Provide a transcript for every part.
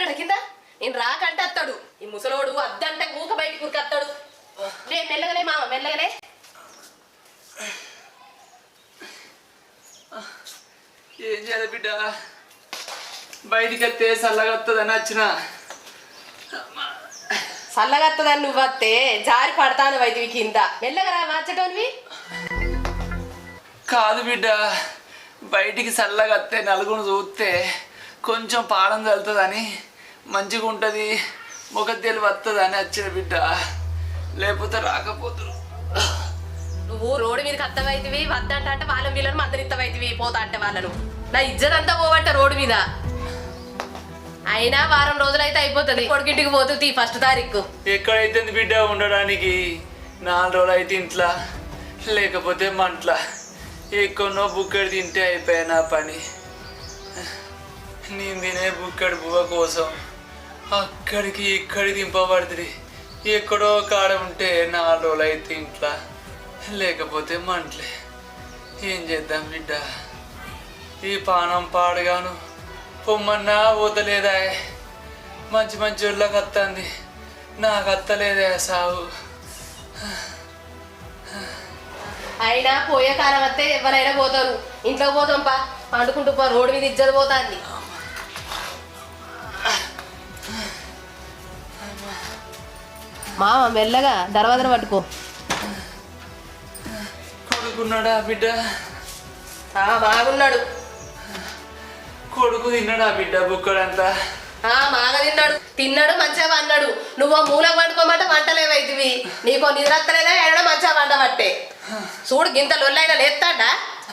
ఉన్నాడు కింద నేను రాకంటే అత్తాడు ఈ ముసలోడు అద్దంటే ఊక బయటికి ఉరికత్తాడు రే మెల్లగలే మామ మెల్లగలే ఏం చేయాలి బిడ్డ బయటికి వస్తే చల్లగా వస్తుందని వచ్చిన చల్లగా వస్తుందని నువ్వు వస్తే జారి పడతాను వైద్యువి కింద మెల్లగా రా మార్చటోనివి కాదు బిడ్డ బయటికి చల్లగా వస్తే నలుగురు చూస్తే కొంచెం పాడం చల్లుతుందని మంచిగా ఉంటుంది ముఖతేలు వస్తుందని వచ్చిన బిడ్డ లేకపోతే రాకపోతురు నువ్వు రోడ్డు మీదకి అత్తవైతివి వద్దంట అంటే వాళ్ళని వీళ్ళని మందరిత్తవైతివి పోతా అంటే వాళ్ళను నా ఇజ్జత్ అంతా పోవట్ట రోడ్డు మీద అయినా వారం రోజులైతే అయిపోతుంది కొడుకింటికి పోతుంది ఫస్ట్ తారీఖు ఎక్కడైతే బిడ్డ ఉండడానికి 4 రోజులు అయితే ఇంట్లో లేకపోతే మంట్ల ఎక్కడో బుక్కడి తింటే అయిపోయా నా పని నేను తినే బుక్కడి బువ్వ కోసం అక్కడికి ఇక్కడికి దింపబడుతుంది ఎక్కడో కాడ ఉంటే 4 రోజులు అయితే ఇంట్లో లేకపోతే మంటలే ఏం చేద్దాం బిడ్డ ఈ పానం పాడుగాను పొమ్మన్నా పోతలేదా మంచి మంచి ఊళ్ళకి వస్తుంది నాకు అత్తలేదా సాగు అయినా పోయే కాలం వస్తే ఎవరైనా పోతారు ఇంట్లోకి పోతాం పా పండుకుంటూ పో రోడ్డు మీద ఇజ్జత పోతాంది మామ మెల్లగా దర్వాజను పట్టుకో కొడుకున్నాడా బిడ్డ బాగున్నాడు కొడుకు తిన్నాడా బిడ్డ బుక్కడంతా బాగా తిన్నాడు మంచిగా అన్నాడు నువ్వు మూలకు వండుకోమంటే వంటలేవైతివి నీకో నిద్రత్తలేదా ఏడో మంచిగా వంట పట్టే చూడు గింత లొల్లైనా లేస్తాడా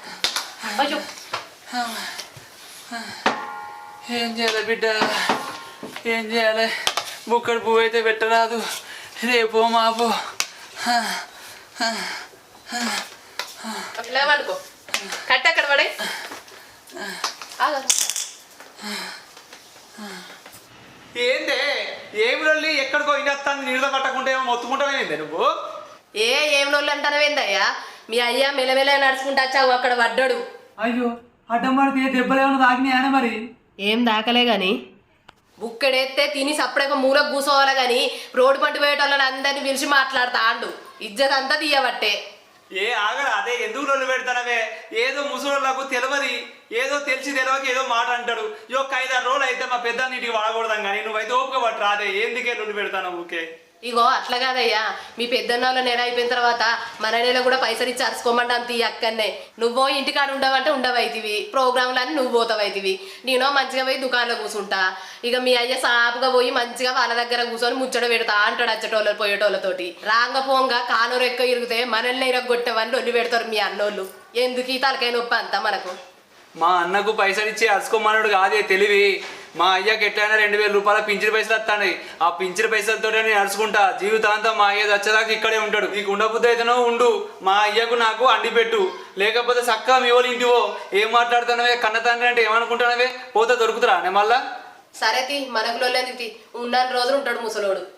ఏం చేయాలి బిడ్డ ఏం చేయాలి బుక్కడి పువ్వు అయితే పెట్టరాదు రేపో మాపో ఇలా వండుకో కట్టి అక్కడ పడే ఏందే ఏమి రొల్లి ఎక్కడికో ఇనేస్తాను నీళ్ళ పట్టకుండా ఏమో మొత్తుకుంటానేందే నువ్వు ఏం రోజులు అంటానవేందయ్యా మీ అయ్యా మెల్లమెల్ల నడుచుకుంటా వచ్చావు అక్కడ పడ్డాడు అయ్యో అడ్డం పడితే దెబ్బలేమన్నా తాకినాయా మరి ఏం దాకలే గాని బుక్కడేస్తే తిని సప్పుడేక మూలకు కూసోవాలి గాని రోడ్డు పంట పోయేటోళ్ళని అందరినీ పిలిచి మాట్లాడతా అండు ఇజ్జత్ అంతా తీయబట్టే ఆగరా అదే ఎందుకు రొల్లు పెడతానవే ఏదో ముసలోళ్ళకు తెలియదు ఏదో తెలియక ఏదో మాట అంటాడు ఒక 5-6 రోజులు అయితే మా పెద్ద నీటికి వాడకూడదాం కానీ నువ్వైతే ఓపిక పట్టు రాదే ఎందుకే రొల్లు పెడతాను ఊకే ఇగో అట్లా కాదయ్యా మీ పెద్దన్నోళ్ళ నెల అయిపోయిన తర్వాత మన నెల కూడా పైసలు ఇచ్చి అరుచుకోమంటాం తీ అక్కడనే నువ్వో ఇంటికాడ ఉండవంటే ఉండవైతివి ప్రోగ్రాంలన్నీ నువ్వు పోతావైతివి నేనో మంచిగా పోయి దుకాణంలో కూర్చుంటా ఇక మీ అయ్య సాపుగా పోయి మంచిగా వాళ్ళ దగ్గర కూర్చొని ముచ్చట పెడతా అంటాడు అచ్చటోళ్ళు పోయేటోళ్ళతోటి రాంగ పోంగా కానూరు ఎక్కువ ఇరిగితే మనల్ని ఇరగొట్టేవని ఒళ్ళు పెడతారు మీ అన్నోళ్ళు ఎందుకు ఈ తలకాయ నొప్పి అంతా మనకు మా అన్నకు పైసలు ఇచ్చి అరుచుకోమన్నాడు కాదే తెలివి మా అయ్యకి ఎట్లయినా 2000 రూపాయల పింఛన్ పైసలు వస్తాయి ఆ పింఛన్ పైసలతో నేను అరుచుకుంటా జీవితాంతం మా అయ్య వచ్చేదాకా ఇక్కడే ఉంటాడు నీకు ఉండబుద్ధి అయితేనో ఉండు మా అయ్యకు నాకు అండి పెట్టు లేకపోతే చక్కగా మీ వాళ్ళు ఇంటివో ఏం మాట్లాడుతున్నావే కన్న తండ్రి అంటే ఏమనుకుంటున్నావే పోతే దొరుకుతురా నే మళ్ళా సరే తీ మనకులో ఉన్న రోజులు ఉంటాడు ముసలోడు